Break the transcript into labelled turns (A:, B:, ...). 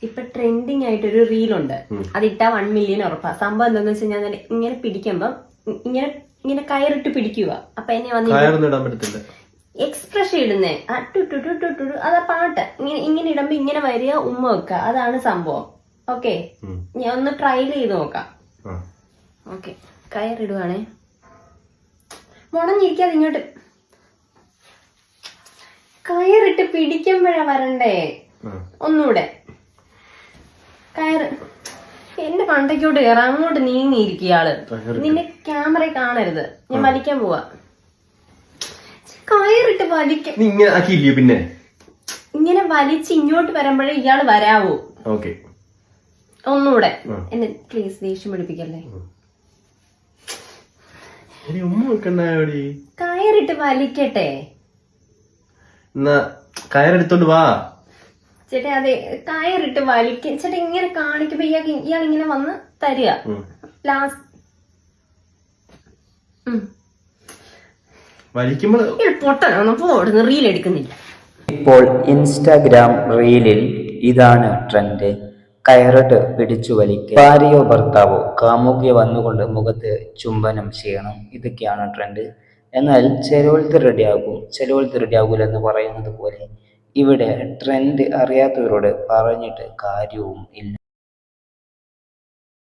A: ഇപ്പൊ ട്രെൻഡിങ് ആയിട്ടൊരു റീലുണ്ട്. അതിട്ടാ 1 മില്യൺ ഉറപ്പാ. സംഭവം എന്താന്ന് വെച്ച് കഴിഞ്ഞാൽ ഇങ്ങനെ പിടിക്കുമ്പോ ഇങ്ങനെ ഇങ്ങനെ കയറിട്ട് പിടിക്കുക. അപ്പൊ എന്നെ വന്ന് എക്സ്പ്രഷൻ ഇടുന്നേ അതാ പാട്ട്. ഇങ്ങനെ ഇടുമ്പോ ഇങ്ങനെ വരിക, ഉമ്മ വെക്കുക. അതാണ് സംഭവം. ഓക്കെ, ഞാൻ ഒന്ന് ട്രയൽ ചെയ്ത് നോക്കാം. ഓക്കെ, കയറിടുവാണേ. മുടഞ്ഞിരിക്കാതെ ഇങ്ങോട്ട് കയറിട്ട് പിടിക്കുമ്പോഴാ വരണ്ടേ. ഒന്നുകൂടെ കയറ്. എന്റെ പണ്ടയ്ക്കോട്ട് കയറാം. അങ്ങോട്ട് നീങ്ങിയിരിക്കുക ആള്. നിന്റെ ക്യാമറ കാണരുത്. ഞാൻ വലിക്കാൻ പോവാ. കയറിട്ട് വലിക്ക.
B: പിന്നെ
A: ഇങ്ങനെ വലിച്ച് ഇങ്ങോട്ട് വരുമ്പോഴേ ഇയാള് വരാവൂ. ഒന്നുകൂടെ. എന്നെ പ്ലീസ് ദേഷ്യം പിടിപ്പിക്കല്ലേ. കയറിട്ട് വലിക്കട്ടെ.
B: കയറെടുത്തോണ്ട് വാ
A: ചേട്ടാ. അതെ, കയറിട്ട് വലിക്ക. ചേട്ടാ ഇങ്ങനെ കാണിക്കുമ്പോ ഇയാൾ ഇങ്ങനെ വന്ന് തരിക. ലാസ്റ്റ് പൊട്ടനാണ്. പോടുന്ന റീൽ എടുക്കുന്നില്ല.
C: ഇപ്പോൾ ഇൻസ്റ്റാഗ്രാം റീലിൽ ഇതാണ് ട്രെൻഡ്. കയറിട്ട് പിടിച്ചു വലിക്കുക. ഭാര്യയോ ഭർത്താവോ കാമുകിയോ വന്നുകൊണ്ട് മുഖത്ത് ചുംബനം ചെയ്യണം. ഇതൊക്കെയാണ് ട്രെൻഡ്. എന്നാൽ ചിലവൾക്ക് റെഡിയാകും, ചിലവൾക്ക് റെഡിയാകൂല എന്ന് പറയുന്നത് പോലെ ഇവിടെ ട്രെൻഡ് അറിയാത്തവരോട് പറഞ്ഞിട്ട് കാര്യവും ഇല്ല.